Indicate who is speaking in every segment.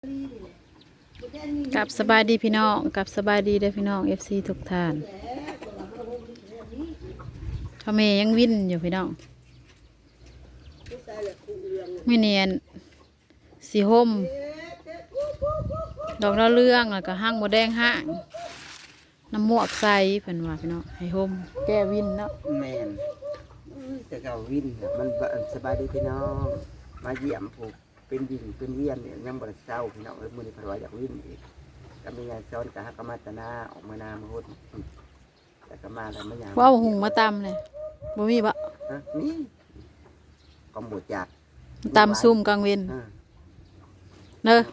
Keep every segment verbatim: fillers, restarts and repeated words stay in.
Speaker 1: กับสบายดีพี่น้องกับสบายดีเด้อพี่น้อง เอฟ ซี ทุกท่านพ่อแม่ยังวิ่นอยู่พี่น้องไม่เนียนสีห่มดอกดาวเรืองแล้วก็ห้างโมแดงห้างน้ำหมวกใส่เพิ่นว่าพี่น้องให้ห่มแก้วินเนาะ
Speaker 2: แมนแต่เก่าวินมันสบายดีพี่น้องมาเยี่ยมผูกเป็นวินเป็นเวียนเนี่ยยังบริเศร้าพี่น้องเอ้ยมือนี้พลอยอยากวินอีกก็มีงานซ้อนกับฮักกมาตนาออกมานามาหุ่นแต่ก็มาแล้วไม่อยาก
Speaker 1: ว่าหุงมาตำเลยบ่มีบะ
Speaker 2: นี่กองบดจัด
Speaker 1: ตำซุ่มกลางเวนเนอะ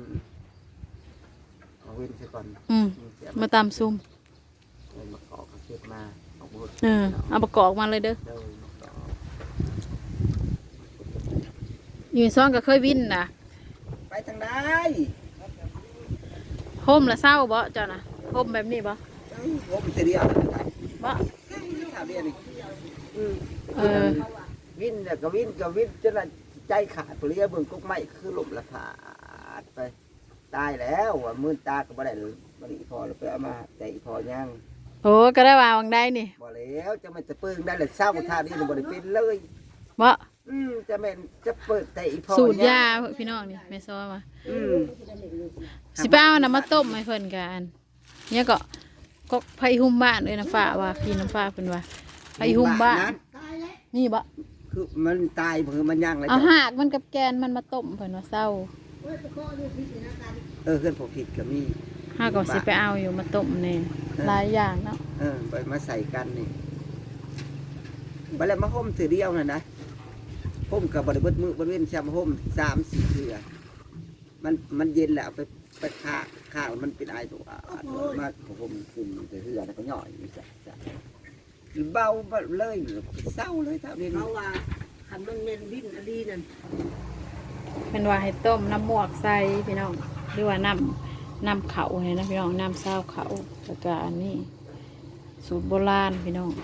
Speaker 2: เอาเว้นซะก่อน
Speaker 1: อืมมาตำซุ่ม
Speaker 2: มาเกาะกระเทียมมาเอาบด
Speaker 1: เออเอาประกอบมาเลยเด้ออยู่ซ้อนก็เคยวินนะ
Speaker 2: ไปทางใด
Speaker 1: ห่มละเศร้าบ่เจ้านะห่มแบบนี้บ่
Speaker 2: ห่มเสีย
Speaker 1: บ่
Speaker 2: ถามเรียนนี่
Speaker 1: เออ
Speaker 2: วินเนี่ยก็วินก็วินจนใจขาดเปลี่ยเบิ่งกุ๊กไม้คือลมละขาดไปตายแล้วว่ามือตาก็บ่ได้เลยบ่ได้พอแล้วไปเอามาใจพอย่าง
Speaker 1: โอ้ก็ได้ว่าวังได้นี่
Speaker 2: บ่แล้วจะมันจะปึ้งได้เลยเศร้าท่านี้บ่ได้เป็นเลย
Speaker 1: บ่
Speaker 2: อืมจะแม่นจะเปิดแต่อีพอ
Speaker 1: สูตรยาพี่น้องนี่แม่ซ้อมาอืมสิไปเอาน้ำมาต้มให้เพิ่นกันเนี่ยก็ก็ไผ่หุ่มบ้านเลยน้ำฟ้าว่าพี่น้ำฟ้าเพิ่นว่าไผ่หุ่มบ้านนี่บ่
Speaker 2: คือมันตายเพิ่นมันย่างเลย
Speaker 1: เอาหากมันกับแกนมันมาต้มเพิ่นว่าเศร้า
Speaker 2: เออเพื่อนผมผิดก็มี
Speaker 1: หากก็สิไปเอาอยู่มาต้มแน่หลายอย่างเนาะ
Speaker 2: เออไปมาใส่กันนี่ไปแล้วมาห่มถือเดียวน่ะนะห่มกับบริบทมือบริเวณชามห่มสามสี่เถื่อมันมันเย็นแล้วไปไปข้าข้าวมันเป็นไอตัวมาห่มกลุ่มเถื่อแล้วก็ย่อยนี่จ้ะจ้ะเบาเลยเศร้าเลยท่าเรียน
Speaker 3: เขาว่าคันมันเมนวินอลีนั่น
Speaker 1: เป็นว่าให้ต้มน้ำหมวกใส่พี่น้องหรือว่าน้ำน้ำเขาเนี่ยนะพี่น้องน้ำเศร้าเขาแล้วก็อันนี้สูตรโบราณพี่น้อง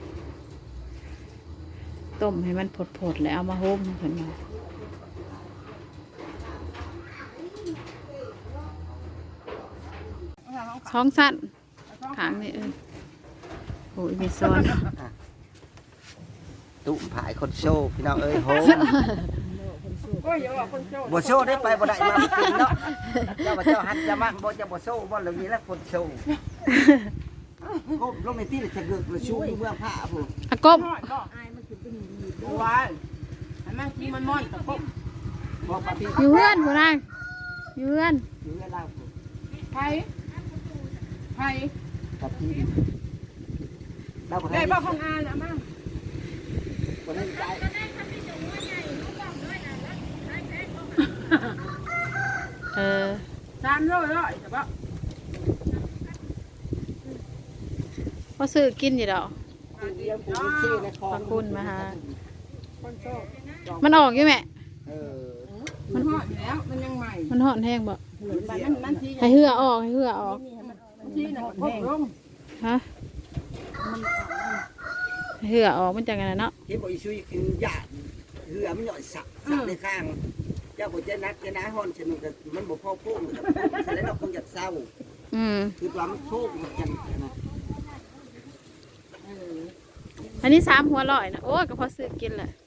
Speaker 1: ต้มให้มันผดๆแล้วเอามาห่มเพิ่นว่าท้องสั้นขางนี่เออโอ้ยมีซ้อน
Speaker 2: ตุ่มผายคนโชว์พี่น้องเอ้ยโหบ่โชว์ได้ไปบ่ได้มากินเนาะเจ้าบ่เจ้าหันจะมั่งบ่จะบ่โชว์บ่เหล่านี้แล้วคนโชว์ก็ลงในที่จะเกิดประชุมเมืองพระผม
Speaker 1: อะกบ
Speaker 3: บัวอันนั้นที่มันม่อนตะกบ
Speaker 1: อยู่เพื่อนผู้นายอยู่เพื่อน
Speaker 2: อยู่เพื่อนเรา
Speaker 3: ไผ่ไผ่
Speaker 2: กับที่เรา
Speaker 3: ได้บ้าของอานะมั่ง
Speaker 2: คนนั้นใจ
Speaker 1: เออ
Speaker 3: สามร้อยร้อยแต่ว่า
Speaker 1: พอซื้อกินอยู่ดอกขอบคุณมาฮะมันออกอยู่แม่
Speaker 3: มันหอดอยู่แล้วมันยังใหม่
Speaker 1: มันหอดแห้งบ่ให้เหือออกให้เหือออก
Speaker 3: ที่น่ะพกลง
Speaker 1: ฮะเหือออกมันจังไงเนาะ
Speaker 2: ที่บ่อีซุยคือหยาดเหือมันหย่อยสักสักในข้างเจ้าบ่จะนักจะน้าฮ้อนฉะนั้นก็มันบ่พอพุ่งฉะนั้นเราคงอยากเศร้า
Speaker 1: อืม
Speaker 2: คือความโชคมันกันนะ
Speaker 1: อันนี้สามหัวลอยนะโอ้ก็พอซื้อกินแหละ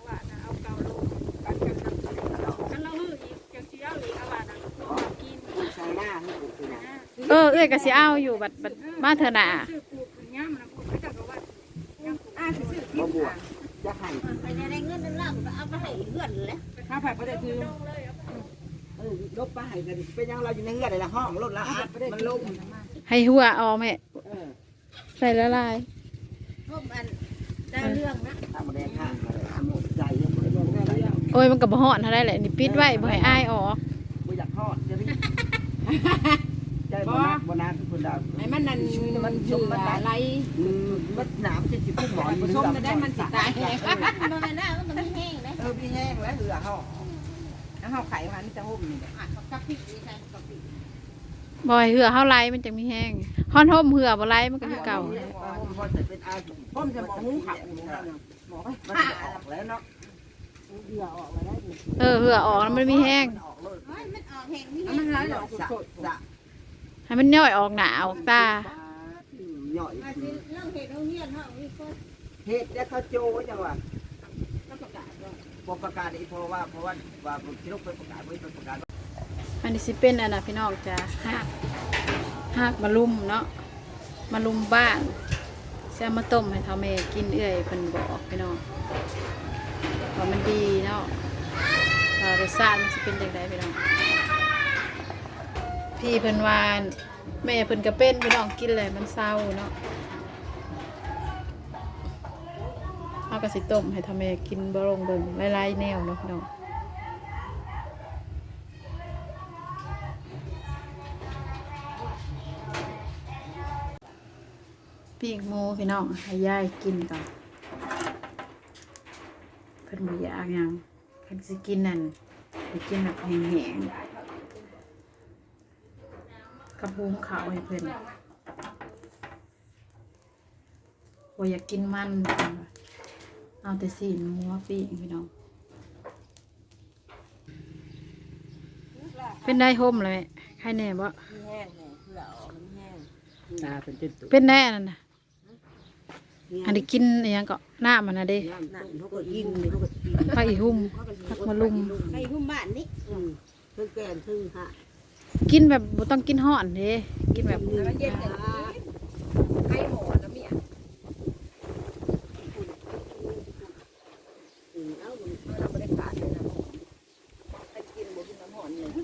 Speaker 1: เออเอ้ยก็สิเอาอยู่บัดบัดมาเถอะน่ะ
Speaker 2: บ่บวชจะให้
Speaker 3: ไปได้เงินนั่นล่ะเอาไปให้เพื่อนเลยถ้าไปบ่ได้คือ
Speaker 2: เออลบไปให้กันเป็นยังเราอยู่ในเฮือนได้ละห้องรถละมันลง
Speaker 1: ให้หัวออกแม่ใส่ละลาย
Speaker 3: ร่มอันได้เรื่องนะ
Speaker 2: ทำแดงข้างมาเลยทำใจยังบ่ได้
Speaker 1: โอ้ยมันก็บ่ฮอดเท่าได้แหละนี่ปิดไว้บ่ให้อ้ายออก
Speaker 2: บ่อยากฮอดจะรีใจบ่นักบ่นักคือคนดาว
Speaker 3: ไอ้มันนั่นมันชมมันอะไร
Speaker 2: มันหนามจะสิพุ่งหมอน
Speaker 3: มันชมมันได้มันสิตายบ่แม่นนะมันมีแห้งเด้
Speaker 2: เออมีแห้งแล้วเหือเฮา
Speaker 3: แล้วเฮาไข่มันจะห่มนี่อ่ะกับพริกนี่ใช่กับพริก
Speaker 1: บ่อยเหือเฮาไล่มันจังมีแห้งฮ้อนห่มเหือบ่ไล่มันก็คือเก่า
Speaker 2: พ่อจะบอกหุ้งขับบอกไปมันออกแล้วเนาะ
Speaker 3: เหือออกมาได้
Speaker 1: เออเหือออกแล้วมันมีแห้ง
Speaker 3: มันออกแห้งนี่มันร้ายออกสด
Speaker 2: สะ
Speaker 1: ให้มันย่อยออกหนาออกตา
Speaker 2: ย่อย
Speaker 3: ๆเรื่องเห็ดโรงเรียนเฮานี่ก็
Speaker 2: เฮ็ดแล้วเขาโจจังว่า
Speaker 3: ต้องประกาศว่า
Speaker 2: บ่ประกาศอีกเพราะว่าเพราะว่าว่าสิลงไปประกาศไว้ประกาศ
Speaker 1: อันนี้สิเป็นอันน่ะพี่น้องจ้ะหากหากมาลุมเนาะมาลุมบ้านเสียมาต้มให้เท่าแม่กินเอื่อยเพิ่นบอกพี่น้องว่ามันดีเนาะว่ารสชาติมันสิเป็นจังไดพี่น้องพี่เพิ่นว่าแม่เพิ่นก็เป็นพี่น้องกินเลยมันเศร้าเนาะเฮาก็สิต้มให้เท่าแม่กินบ่ลงเบิ่งหลายๆแนวเนาะพี่น้องปีกหมูพี่น้องให้ยายกินก่อนเพิ่นบ่อยากหยังเพิ่นสิกินนั่นไปกินแบบแห้งๆกับหุงข้าวให้เพิ่นบ่อยากกินมันเพิ่นว่าเอาแต่สีนหมูมาปีกพี่น้องเป็นได้ห่มเลยใครแน่บ่
Speaker 3: แห้งแห้งเพื่อออกมันแห้ง
Speaker 2: ตาเป็นจุด
Speaker 1: เป็นแน่นั่นน่ะอันนี้กินอหยังก็น้ามันน่ะเด้
Speaker 3: นั่นเขาก็กินเขาก็กิน
Speaker 1: ผักอีหุ่มผักมะลุม
Speaker 3: ไอ้หุ้มบ้านนี่เพิ่งแก่เพิ่งหะ
Speaker 1: กินแบบบ่ต้องกินห่อนเด้กินแบบ
Speaker 3: มันเย็นกันไข่หมอนะเมียเอาเราไม่ได้ขาดเลยนะให้กินบ่กินน้ำหอนเลย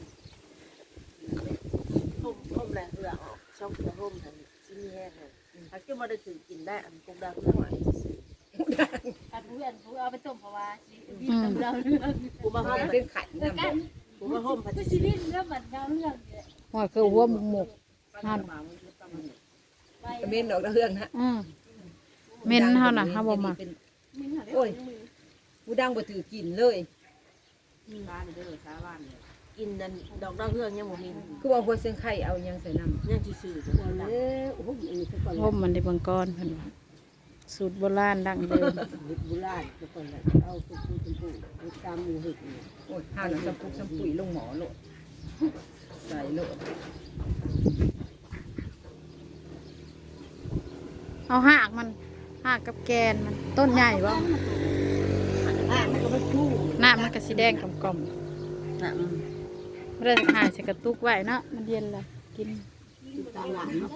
Speaker 3: ห่มห่มแหละเหือออกช่องเหือห่มทันชิ้นนี้แห้งเลยถ้าเกิดว่าได้ถึงกินได้อันกุกดาเหือหวานอันเพื่อนผู้เอาไปต้มเพราะว่าชีวิตเราเรื่องกูมาห่มเป็นไข่นะกูมาห่มผัดชีวิตเรื่องมันเราเรื่องเนี่ย
Speaker 1: ห่อยคือหัวหมกหมกหั่น
Speaker 4: เมนดอกดาวเรืองฮะ
Speaker 1: อืมเม่นเฮาน่ะเฮาบ่มัก
Speaker 4: โอ้ยผู้ดังบ่ถือกินเลย
Speaker 3: บ้านเด้อชาวบ้านเนี่ยกินนั่นดอกดาวเรืองยังบ่มี
Speaker 4: คือว่าหัวเสียงไข่เอายังใส่น้ำ
Speaker 3: ยังซื่อๆคนละโอ้โหอันนี้คือก่อน
Speaker 1: ห่มมันได้เบางก้อนเพิ่นว่าสูตรโบราณดั้งเดิม
Speaker 3: โบราณคือก่อนละเอาคือคือคือคือตามหมู่เฮ็ดนี่
Speaker 4: โอ้ยห้าวหนังสัมปุกสัมปุ๋ยลงหมอโลดใส่โลด
Speaker 1: เอาหากมันหากกับแกนมันต้นใหญ่บ่
Speaker 3: อ่ะมันก็บ่ชู้
Speaker 1: หน้ามันก็สีแดงกล่อม
Speaker 3: น่ะ
Speaker 1: ๆไม่ได้หายใส่กระตุกไว้เนาะมันเย็นเลยกิน
Speaker 3: ตามหลานเนาะ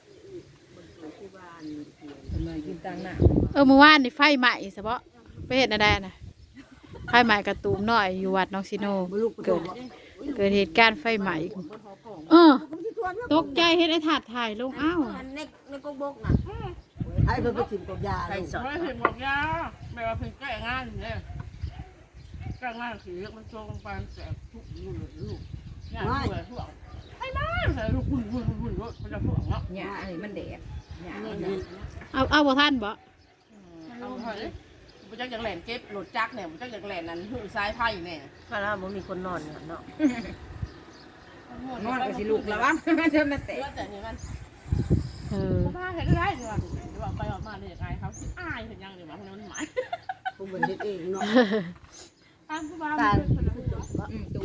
Speaker 4: ทำไมกินตังหน้า
Speaker 1: เออเมื่อวานนี่ไฟไหม้ซะบ่ไปเฮ็ดอะไรน่ะไฟไหม้กระตูมน้อยอยู่วัดน้องซิโน
Speaker 3: บ่ลูกก็
Speaker 1: เกิดเกิดเหตุการณ์ไฟไหม้เออตกใจเฮ็ดไอ้ถาดถ่ายลงอ้าว
Speaker 3: ในในกบกน่ะไอ้เพิ่นไปกินกับยา
Speaker 4: ไข่สด
Speaker 5: ไม่ถึงบอกยาแม่ว่าเพิ่งแก้งานเนี่ยแก้งานสีมันโจงไปแต่ทุกลูกลูกงานด้วยทุกไอ้บ้าใส่ลูกหุ่นหุ่นหุ่นรถมันจะทุกเนาะ
Speaker 4: หญ้าอันนี้มันแดดหญ้า
Speaker 3: นี่
Speaker 4: อัน
Speaker 3: นี่
Speaker 4: นี้
Speaker 1: เอาเอาบ่ทันบ่
Speaker 5: เอาเถอะมันจะอย่างแหลนเก็บรถจักเนี่ยมันจะอย่างแหลนนั้นหุ่นซ้ายไพ่เนี่ย
Speaker 3: ถ้าเราบ่มีคนนอนเนาะ
Speaker 4: นอนก็สิลูกละวะมันจะมาแตก
Speaker 5: เลือดแต่เนี่ยมัน
Speaker 1: เออ
Speaker 5: บ้าเห็นได้เนี่ยว่าไปออกมาเนี่ยยังไงเขาคิดอายเห็นยังเนี่ยว่ามันหมาย
Speaker 3: กูบ่เฮ็ดเองเนาะ
Speaker 5: ตามผู้บ้า
Speaker 3: การ
Speaker 4: อืมตู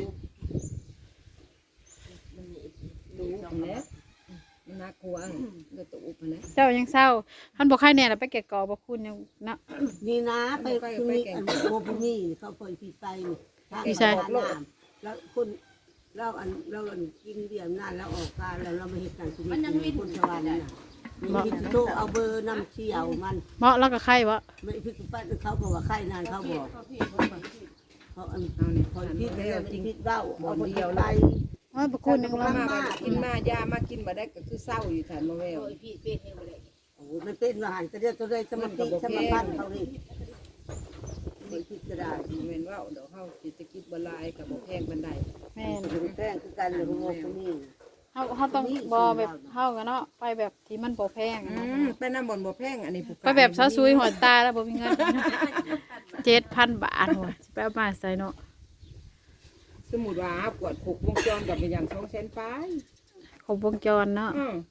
Speaker 3: ดู
Speaker 4: สองแล้วมันน่ากลัวก็ตูบนะ
Speaker 1: เจ้ายังเศร้าท่านบอกใครแน่ล่ะไปแกะกอบ่คุณยังเนาะ
Speaker 3: นี่นะไปคือมีอันโมพนี่เขาปล่อยพี่ไปแล้วคนเราอันเราอันกินเบียร์นานแล้วออกการแล้วเรามาเฮ็ดการชีวิตคนสวรรค์น่ะมีโตเอาเบอร์น้ำเชี่ยวมัน
Speaker 1: เหมาะแล้วก็ใครบ่
Speaker 3: ไม่พิกปั้นเขาบอกว่าไข้นานเขาบอกเขาอัน
Speaker 4: เอานี่
Speaker 3: คอยพิษแล้วจริงพิษเบ้าเอาคนเดียวไล่
Speaker 1: ว่าบ่คุณยัง
Speaker 4: มา
Speaker 1: บ่
Speaker 4: มากินมายามากินมาได้ก็คือเศร้าอยู่ฐานมาแวว
Speaker 3: โอ้มันเป็นอาหารกระเดียวตัวได้สมาธิสมาพันเขาเลยไม่พิษก็ได้
Speaker 4: เว้นว่าเดี๋ยวเฮาสิจะกินบ่ลายกับบ่แพงปานใด
Speaker 1: แม่น
Speaker 3: ถึงแป้งคือกันเลยโมพนี่
Speaker 1: เฮาเฮาต้องบ่แบบเฮากันเนาะไปแบบที่มันบ่แพง
Speaker 4: อื
Speaker 1: อะ
Speaker 4: มไปน้ำบ่อนบ่แพงอันนี้ผู้
Speaker 1: ไปแบบซะซุยหัวตาแล้วบ่มีเงิน เจ็ดพัน บาทหัวสิไปเอามาใส่เนาะ
Speaker 4: สมมุติว่าหากวดหกวงจรกับเป็นอย่างสองแสนปลาย
Speaker 1: ครบวงจรเนาะ
Speaker 4: อืม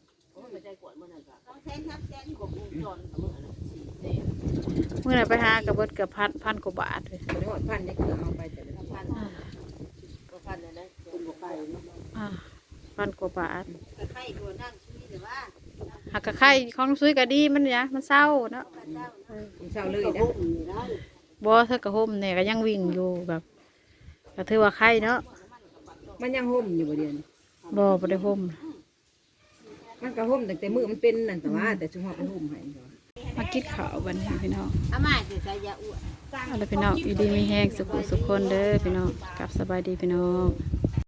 Speaker 1: เมื่อไหร่ไปหากับเบิดเกือบพันพันกว่าบาทเลย
Speaker 4: บ่ได้หอดพันได้เกลือเอาไปแต่ละพัน
Speaker 3: ก็พันนะนะคุณบอก
Speaker 1: อ่าพันกว่าบาท
Speaker 3: ไข่ตัวนั่งชีวิตหรือว่า
Speaker 1: หากกะไข่ของน้องซุยก็ดีมันเนี่ยมันเศร้าเนาะ
Speaker 4: มันเศร้าเลยนะ
Speaker 1: บ่เธอกระห่มเนี่ยก็ยังวิ่งอยู่แบบก็ถือว่าไข่เนาะ
Speaker 4: มันยังห่มอยู่บ่เดียวนี้
Speaker 1: บ่บ่ได้ห่ม
Speaker 4: มันก็ห่มตั้งแต่มือมันเป็นนั่นแต่ว่าแต่ชุมพรไปห่มให้แต่ว่า
Speaker 1: มากินข้าวบัดนี้พี่น้อง
Speaker 3: อาม่าจะใส่ยาอ้วน
Speaker 1: เอาล่ะพี่น้องอยู่ดีมีแห้งสุขสุขคนเด้อพี่น้องกลับสบายดีพี่น้อง